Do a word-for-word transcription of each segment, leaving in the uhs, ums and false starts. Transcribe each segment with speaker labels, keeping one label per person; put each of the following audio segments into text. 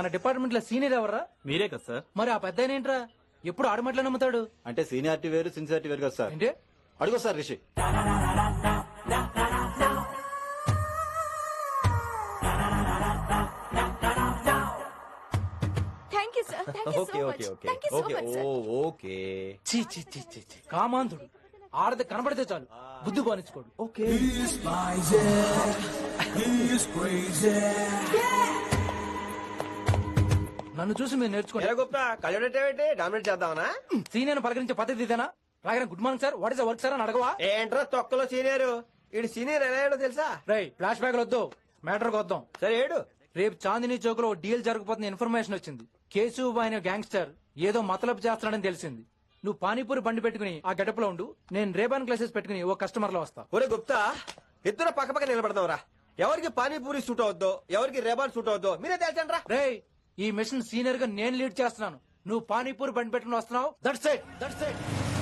Speaker 1: మన డిపార్ట్మెంట్ లో సీనియర్ ఎవర్రా?
Speaker 2: మీరే కదా సార్.
Speaker 1: మరి ఆ పెద్ద ఏంట్రా ఎప్పుడు ఆడమట్లా నమ్ముతాడు?
Speaker 3: అంటే సీనియారిటీ వేరు సిన్సియారిటీ వేరు కదా సార్.
Speaker 1: ఏంటి
Speaker 3: అడుగు sir Rishi.
Speaker 4: Thank you sir thank you
Speaker 5: okay
Speaker 4: so
Speaker 5: okay
Speaker 4: much
Speaker 5: okay
Speaker 4: thank you so
Speaker 5: okay
Speaker 4: much
Speaker 5: oh
Speaker 4: sir.
Speaker 5: Okay
Speaker 1: చీ చీ చీ చీ చీ కామాంధుడు. ఆడది కనబడితే చాలు బుద్ధి బానించుకోడు.
Speaker 5: ఓకే
Speaker 1: నన్ను చూసి మీరు నేర్చుకోండి.
Speaker 5: ఎలా గొప్ప కళ్ళేంటి డామినేట్ చేద్దామనా?
Speaker 1: సీనియర్ పలకరించే పద్ధతి ఇదేనా? రాగానే good morning sir, what is work sir అని అడగవా?
Speaker 5: ఏంట్రా తొక్కలో సీనియర్ ఇడు సీనియర్ ఎలా ఏడో తెలుసా?
Speaker 1: రై ఫ్లాష్ బ్యాక్ వద్దు, మ్యాటర్ వద్దాం.
Speaker 5: సరే ఏడు.
Speaker 1: రేపు చాందినీ చౌక్ లో డీల్ జరగబోతున్న ఇన్ఫర్మేషన్ వచ్చింది. కేశవ్ అనే గ్యాంగ్స్టర్ ఏదో మతలబు చేస్తున్నాడని తెలిసింది. నువ్వు పానీపూరి బండి పెట్టుకుని ఆ గడప లో ఉండు, నేను రేబాన్ క్లాసెస్ పెట్టుకుని ఓ కస్టమర్ లో వస్తా.
Speaker 5: ఒరే గుప్తా, ఇద్దరు పక్క పక్క నిలబడదాం రా. ఎవరికి పానీపూరి సూట్ అవుద్దో ఎవరికి రేబాన్ సూట్ అవుద్దో మీరే తెలుసండి రా.
Speaker 1: రే ఈ మిషన్ సీనియర్ గా నేను లీడ్ చేస్తున్నాను. నువ్వు పానీపూరి బండి పెట్టుకుని వస్తున్నావు. That's it that's it.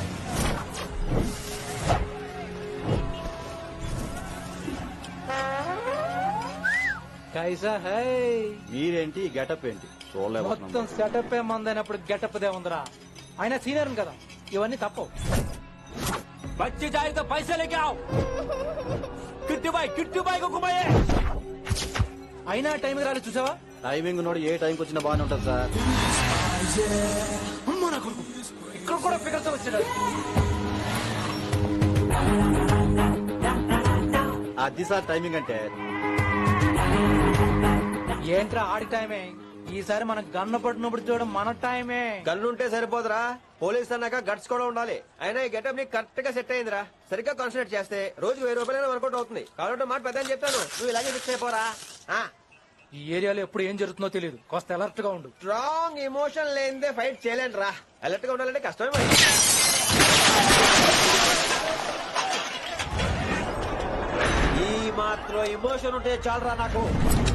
Speaker 1: కైసా హై.
Speaker 3: మీరేంటి గెటప్ ఏంటి చూడలేకపోతున్నాం.
Speaker 1: మొత్తం సెటప్ ఏ మందైనప్పుడు గెటప్ దే ఉందిరా. అయినా సీనియర్ కదా, ఇవన్నీ తప్పవు. బచ్చి జాయితో పైసా లేకే ఆవ్. కిట్టు బాయ్ కిట్టు బాయ్ కుమాయే. అయినా టైం రాలి చూసావా?
Speaker 3: టైమింగ్ నోడు ఏ టైంకి వచ్చినా బాగానే ఉంటుంది సార్.
Speaker 1: అమ్మా నా కొడుకు, ఇక్కడ కూడా ఫిగర్స్ వచ్చాడు.
Speaker 3: అది సార్ టైమింగ్ అంటే.
Speaker 1: ఏంట్రా ఆడి టైమే? ఈసారి మనం గన్ను పట్టినప్పుడు చూడడం మన టైమే.
Speaker 5: గన్నుంటే సరిపోదురా, పోలీస్ అన్నాక గట్స్ కూడా ఉండాలి. అయినా ఈ గెటప్ ని కరెక్ట్ గా సెట్ అయిందిరా. సరిగ్గా కాన్సన్ట్రేట్ చేస్తే రోజుకి వెయ్యి రూపాయలైనా వర్కౌట్ అవుతుంది. కాబట్టి మాట పెద్ద చెప్తాను, నువ్వు ఇలాగే ఫిక్స్ అయిపోరా.
Speaker 1: ఈ ఏరియాలో ఎప్పుడు ఏం జరుగుతుందో తెలియదు, కాస్త అలర్ట్ గా ఉండు.
Speaker 5: స్ట్రాంగ్ ఎమోషన్ లేనిదే ఫైట్ చేయలేను రా. అలర్ట్ గా ఉండాలంటే కష్టమే మరి. ఈ మాత్రం ఎమోషన్ ఉంటే చాలరా నాకు.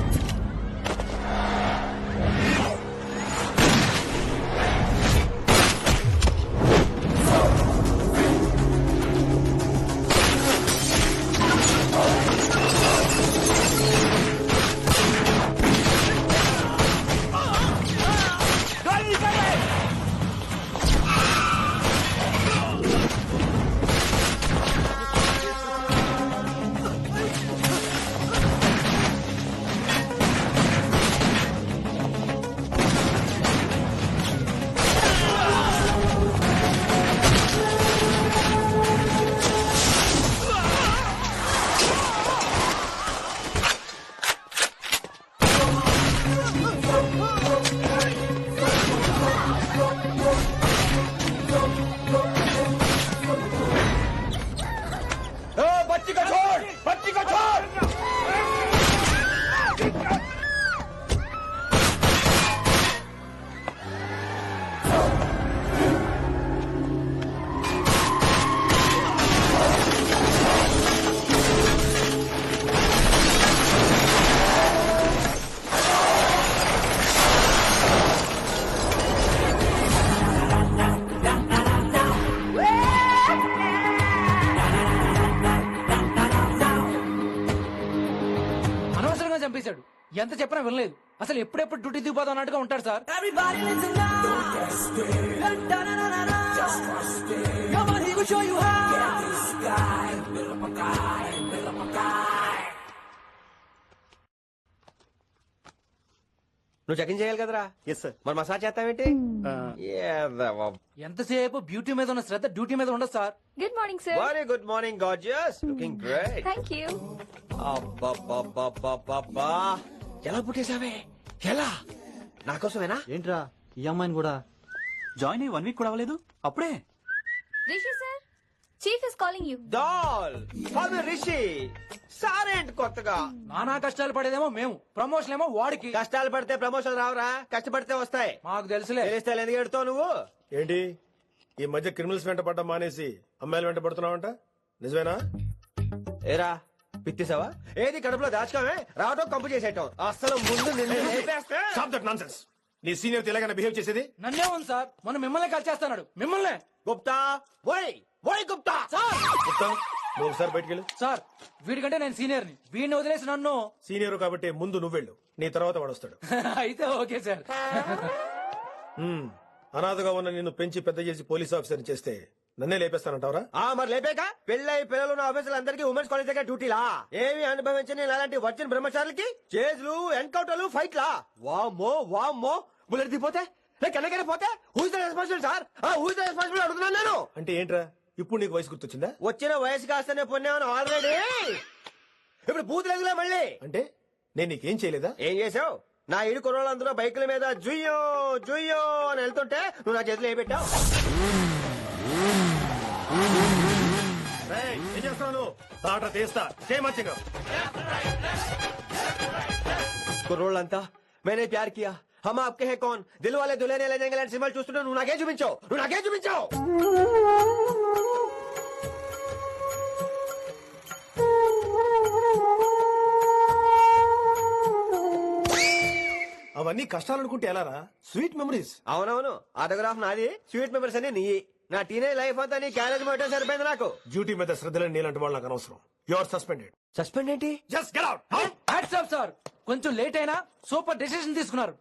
Speaker 1: చంపేశాడు. ఎంత చెప్పినా వినలేదు. అసలు ఎప్పుడెప్పుడు డ్యూటీ దిగిపోదాం అన్నట్టుగా ఉంటాడు సార్.
Speaker 5: నువ్వు చెకింగ్ చేయాలి కదరా.
Speaker 3: Yes sir.
Speaker 5: మరి మసాజ్ చేస్తావేంటి?
Speaker 1: ఎంతసేపు బ్యూటీ మీద ఉన్న శ్రద్ధ డ్యూటీ మీద ఉండదు sir.
Speaker 4: Good morning sir.
Speaker 5: Very good morning gorgeous, looking great.
Speaker 4: Thank you.
Speaker 5: అబ్బబ్బబ్బబ్బబ్బా, ఎలా పుట్టేశావే? ఎలా? నా కోసమేనా?
Speaker 3: ఏంట్రా ఈ అమ్మాయిని కూడా?
Speaker 2: జాయిన్ అయ్యి వన్ వీక్ కూడా అవ్వలేదు అప్పుడే.
Speaker 4: Rishi sir, chief is calling you.
Speaker 5: Doll call me Rishi. సారేంటి కొత్తగా?
Speaker 1: నానా కష్టాలు పడేదేమో మేము, ప్రమోషన్ ఏమో వాడికి.
Speaker 5: కష్టాలు పడితే ప్రమోషన్ రావురా, కష్టపడితే వస్తాయి.
Speaker 1: మాకు తెలుసులే.
Speaker 5: తెలిస్తే ఎందుకు ఎడుతావు నువ్వు?
Speaker 6: ఏంటి ఈ మధ్య క్రిమినల్స్ వెంట పడ్డం మానేసి అమ్మాయిలు వెంట పడుతున్నావంట, నిజమేనా?
Speaker 5: ఏరా పిత్తిసావా? ఏది కడుపులో దాచుకోవే, రావటం కంపు చేసేయటం. అసలు ముందు నిన్ను లేపేస్తే.
Speaker 6: Stop that nonsense. నీ సీనియర్ ఎలాగైనా బిహేవ్ చేసేది?
Speaker 1: నన్నే ఉంది సార్, మొన్న మిమ్మల్ని కాల్ చేస్తున్నాడు. మిమ్మల్ని
Speaker 5: గుప్తా ఓయ్ ఓయ్ గుప్తా.
Speaker 1: సార్
Speaker 6: గుప్తా నువ్వు ఒకసారి బయటికి వెళ్ళు.
Speaker 1: సార్ వీడికంటే నేను సీనియర్ని, వీడిని వదిలేసి నన్ను
Speaker 6: సీనియర్ కాబట్టి ముందు నువ్వు వెళ్ళు, నీ తర్వాత వాడు వస్తాడు.
Speaker 1: అయితే ఓకే సార్.
Speaker 6: మ్మ్. అనాథగా ఉన్న నిన్ను పెంచి పెద్ద చేసి పోలీస్ ఆఫీసర్ చేస్తే నన్నే లేపేస్తానంటావరా?
Speaker 5: ఆ మరి లేపాక పెళ్ళై పిల్లలు ఉన్న ఆఫీసులు అందరికీ ఉమెన్స్ కాలేజ్ దగ్గర డ్యూటీలా? ఏమి అనుభవించని అలాంటి వర్జిన్ బ్రహ్మచారులకి చేజ్లు ఎన్కౌంటర్లు ఫైట్లా? వామ్మో వామ్మో బుల్లెట్ దిగిపోతే ఎక్కడికైనా పోతే who's the responsible sir? Who's the responsible అడుగుతున్నాను నేను.
Speaker 6: అంటే ఏంట్రా ఇప్పుడు నీకు వయసు గుర్తొచ్చిందా?
Speaker 5: వచ్చిన వయసు కాస్తనే పొన్నాను ఆల్రెడీ. ఇప్పుడు బూతులేదులే మళ్ళీ.
Speaker 6: అంటే నేను నీకేం చేయలేదా?
Speaker 5: ఏం చేసావు? నా ఇరు కుర్రోళ్ళందరూ బైకుల మీద జుయ్యో జుయ్యో అని వెళ్తుంటే నువ్వు నా చేతిలో ఏ పెట్టావు?
Speaker 6: రేయ్, ఏం చేస్తున్నావు? తాట తీస్తా చేయమచ్చగా.
Speaker 5: కుర్రోళ్ళంతా मैंने प्यार किया हम आपके हैं कौन दिल वाले दुल्हने ले जाएंगे लांటి సినిమాలు చూస్తుంటే నువ్వు నాకే చూపించావు నువ్వు నాకే చూపించావు.
Speaker 6: అవన్నీ కష్టాలు అనుకుంటే ఎలారా? Sweet memories.
Speaker 5: అవునవును ఆటోగ్రాఫ్ నాది, స్వీట్ మెమరీస్ అని నీ. నా టీనేజ్ లైఫ్ అంతా నీ క్యారేజ్ మొట్టే సరిపోయింది నాకు.
Speaker 6: డ్యూటీ మీద శ్రద్ధలేని నీలాంటి వాళ్ళు నాకు అనవసరం. You are suspended.
Speaker 5: సస్పెండ్ ఏంటి?
Speaker 6: Just get out.
Speaker 1: Hats off sir, కొంచెం లేట్ అయినా సూపర్ డెసిషన్ తీసుకున్నారు.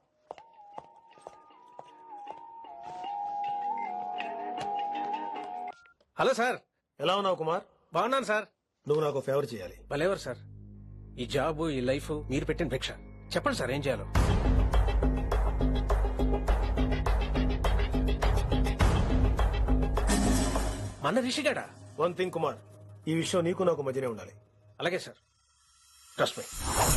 Speaker 7: Hello sir.
Speaker 6: ఎలా ఉన్నావు కుమార్?
Speaker 7: బాగున్నాను సార్.
Speaker 6: నువ్వు నాకు ఫేవర్ చేయాలి.
Speaker 7: భలేవారు సార్. ఈ జాబ్ ఈ లైఫ్ మీరు పెట్టిన భిక్ష. చెప్పండి సార్ ఏం చేయాలో. మన రిషిగాడా?
Speaker 6: వన్ థింగ్ కుమార్, ఈ విషయం నీకు నాకు మధ్యనే ఉండాలి.
Speaker 7: అలాగే సార్. Trust me.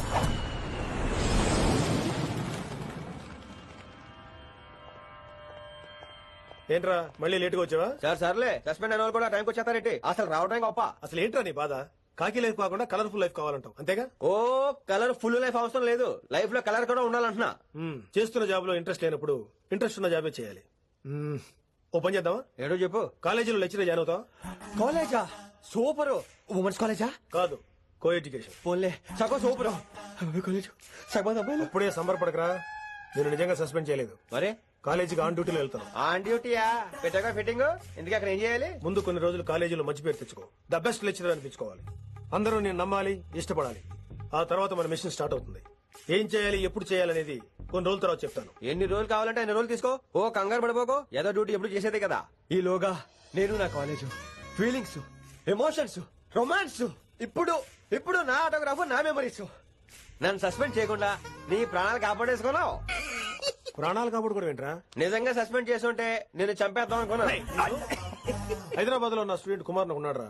Speaker 6: ఏంట్రా మళ్ళీ లేటుగా వచ్చావా?
Speaker 5: సార్ సర్లే సస్పెండ్ అయిన వాళ్ళు కూడా టైంకి వచ్చేస్తారేంటి? అసలు రావడం గొప్ప.
Speaker 6: అసలు ఏంట్రా నీ బాధ? కాకి లైఫ్ కాకుండా కలర్ఫుల్ లైఫ్ కావాలంటావు అంతేగా?
Speaker 5: ఓ కలర్ ఫుల్ లైఫ్ అవసరం లేదు, లైఫ్ లో కలర్ కూడా ఉండాలంటున్నా.
Speaker 6: మ్మ్. చేస్తున్న జాబ్ లో ఇంట్రెస్ట్ లేనప్పుడు ఇంట్రెస్ట్ ఉన్న జాబే చేయాలి. మ్మ్. ఓ పని చేద్దామా?
Speaker 5: ఏడో చెప్పు.
Speaker 6: కాలేజీలో లెక్చరర్ జాయిన్ అవుతావా?
Speaker 5: కాలేజా? సూపర్. ఉమెన్స్ కాలేజా?
Speaker 6: కాదు, కో ఎడ్యుకేషన్.
Speaker 5: పోన్లే సగం సూపర్. కాలేజ్ సగం అబ్బాయిలు.
Speaker 6: ఇప్పుడే సంబరపడకరా, నేను నిజంగా సస్పెండ్ చేయలేదు.
Speaker 5: మరే
Speaker 6: కాలేజీకి ఆన్ డ్యూటీలో వెళ్తాను.
Speaker 5: ఆన్ డ్యూటీయా? పెట్టాక ఫిట్టింగ్ ఎందుకు? అక్కడ ఏం చేయాలి?
Speaker 6: ముందు కొన్ని రోజులు కాలేజీలో మంచి పేరు తెచ్చుకో, ద బెస్ట్ లెక్చరర్ అనిపించుకోవాలి. అందరూ నేను నమ్మాలి, ఇష్టపడాలి. ఆ తర్వాత మన మిషన్ స్టార్ట్ అవుతుంది. ఏం చేయాలి, ఎప్పుడు చేయాలనేది కొన్ని రోజుల తర్వాత చెప్తాను.
Speaker 5: ఎన్ని రోజులు కావాలంటే ఎన్ని రోజులు తీసుకో. ఓ కంగారు పడిపోకో, ఏదో డ్యూటీ ఎప్పుడు చేసేదే కదా. ఈలోగా నేను నా కాలేజ్ ఫీలింగ్స్, ఎమోషన్స్, రొమాన్స్, ఇప్పుడు ఇప్పుడు నా ఆటోగ్రాఫ్, నా మెమరీస్. నన్ను సస్పెండ్ చేయకుండా నీ ప్రాణాలు కాపాడేసుకున్నావు.
Speaker 6: ప్రాణాలు కాబట్టి కూడా ఏంట్రా?
Speaker 5: నిజంగా సస్పెండ్ చేస్తుంటే నేను చంపేద్దాం అనుకున్నా.
Speaker 6: హైదరాబాద్ లో నా స్టూడెంట్ కుమార్ నాకు ఉన్నాడు రా.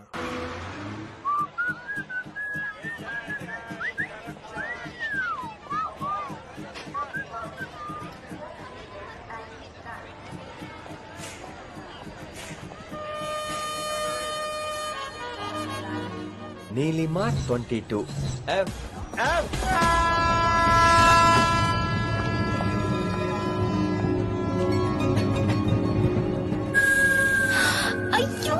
Speaker 5: Neelima twenty two F F
Speaker 4: అయ్యో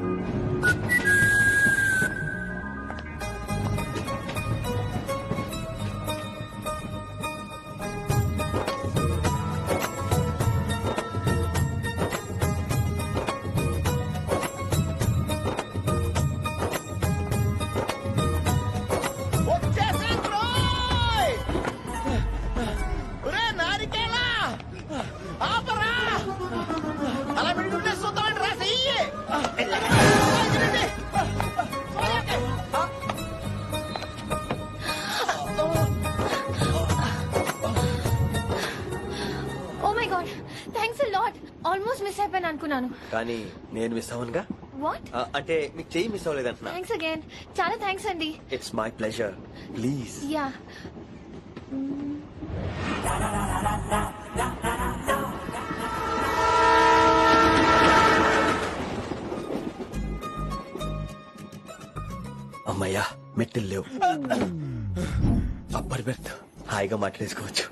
Speaker 4: oh my god, thanks a lot. Almost miss అయిపోయాను అనుకున్నాను.
Speaker 5: కానీ నేను మిస్ అవ్వనుగా.
Speaker 4: వాట్?
Speaker 5: అంటే మీకు చెయ్యి మిస్ అవ్వలేదంటున్నా.
Speaker 4: థ్యాంక్స్ అగైన్, చాలా థ్యాంక్స్ అండి.
Speaker 5: It's my pleasure. Please.
Speaker 4: Yeah.
Speaker 5: అమ్మయ్యా మెట్టులు లేవు. అప్పర్ బెర్త్ హాయిగా మాట్లాడేసుకోవచ్చు.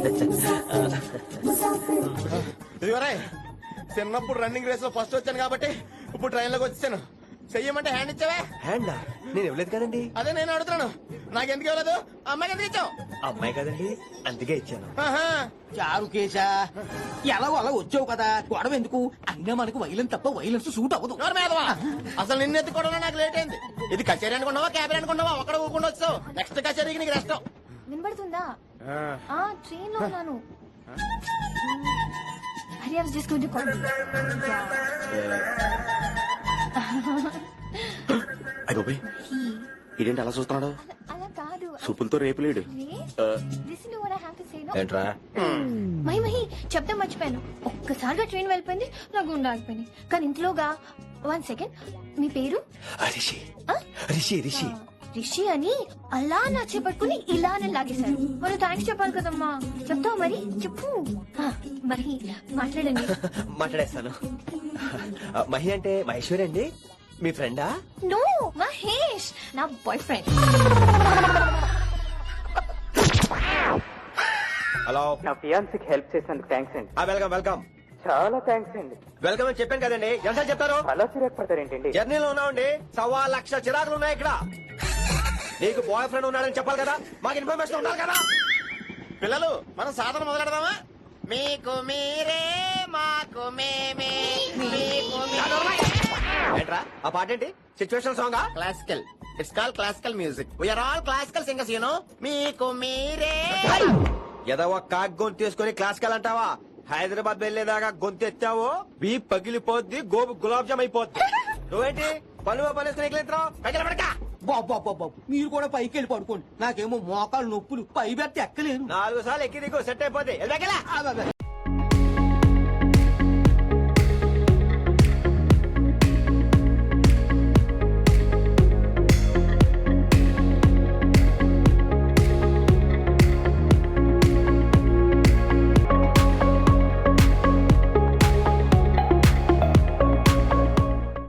Speaker 8: ఇదివరే చిన్నప్పుడు రన్నింగ్ రేస్ లో ఫస్ట్ వచ్చాను కాబట్టి ఇప్పుడు ట్రైన్ లోకి వచ్చాను. చెయ్యమంటే హ్యాండ్ ఇచ్చావే.
Speaker 5: హ్యాండా? నేను ఇవ్వలేదు కదండి.
Speaker 8: అదే నేను అడుగుతున్నాను, నాకెందుకు ఇవ్వలేదు? అమ్మాయికి ఎందుకు ఇచ్చావు?
Speaker 5: అమ్మాయి కదండి అందుకే ఇచ్చాను.
Speaker 8: ఆహా.
Speaker 9: చారు కేశా ఎలా అలా వచ్చావు కదా గొడవ ఎందుకు అయినా మనకు వైలెన్స్ తప్ప వైలెన్స్ సూట్ అవ్వదు
Speaker 8: నోరు మీదవా. అసలు నిన్ను ఎత్తుకోవడం నాకు లేట్ అయింది. ఇది కచేరీ అనుకున్నావా క్యాబిన్ అనుకున్నావా ఒక్కడ ఊరుకుండా వచ్చావు. నెక్స్ట్ కచేరీకి నీకు రెస్ట్.
Speaker 4: వినబడుతుందా ఆ ట్రైన్ లో ఉన్నాను. Hari I was just going to call.
Speaker 8: అయ్యో ఇదేంటి అలా చూస్తున్నాడు.
Speaker 4: అలా కాదు.
Speaker 8: సూపులతో రేపులేడు.
Speaker 4: Listen to what I have to say no.
Speaker 5: ఏంట్రా
Speaker 4: మై మహి చెప్తా మర్చిపోయాను. ఒక్కసారిగా ట్రైన్ వెళ్ళిపోయింది నా గుండె ఆగిపోయింది. కానీ ఇంట్లోగా వన్ సెకండ్ మీ పేరు
Speaker 5: రిషి
Speaker 4: ఆ?
Speaker 5: రిషి రిషి
Speaker 4: రిషి అని అలా నా చేపట్టుకుని ఇలానే లాగేశారు. మరి థ్యాంక్స్ చెప్పాలి కదమ్మా. చెప్తావు మరి చెప్పు. ఆ, మరి మాట్లాడండి.
Speaker 5: మాట్లాడేస్తాను. మహి అంటే మహేశ్వరి అండి మీ ఫ్రెండా?
Speaker 4: నో మహేష్ నా బాయ్ ఫ్రెండ్.
Speaker 5: హలో
Speaker 10: నా ఫియాన్సీకి హెల్ప్ చేసినందుకు థ్యాంక్స్ అండి.
Speaker 5: వెల్కమ్ వెల్కమ్
Speaker 10: చాలా థ్యాంక్స్ అండి.
Speaker 5: వెల్కమ్ అని చెప్పాను కదండి. ఎంత చెప్తారు?
Speaker 10: అలా చిరాకు పడతారేంటండి?
Speaker 5: జర్నీలో ఉన్నామండి. సవా లక్ష చిరాకులు ఉన్నాయి ఇక్కడ. నీకు బాయ్ ఫ్రెండ్ ఉన్నాడని చెప్పాలి కదా, మాకు ఇన్ఫర్మేషన్ ఉండాలి కదా.
Speaker 8: పిల్లలు మనం సాధన మొదలెడదామా? మీకు మీరే మాకు మేమే మీకు
Speaker 5: ఏంట్రా ఆ పాట ఏంటి? సిచ్యువేషన్ సాంగా?
Speaker 8: Classical. It's call classical music. We are all classical singers you know. మీకు మీరే.
Speaker 5: ఏదో ఒక కాక్ గొంతు తీసుకుని క్లాసికల్ అంటావా? హైదరాబాద్ వెళ్లేదాకా గొంతు ఎత్తావో బీ పగిలిపోద్ది, గోబు గులాబ్ జామ్ అయిపోద్ది. నువ్వేంటి పనులు పని పడక
Speaker 9: బాబు బాబు బాబు మీరు కూడా పైకి వెళ్ళి పడుకోండి. నాకేమో మోకాలు నొప్పులు పై బెత్త ఎక్కలేను.
Speaker 5: నాలుగు సార్లు ఎక్కి దిగు సెట్ అయిపోద్ది.
Speaker 9: ఆ, బాబా.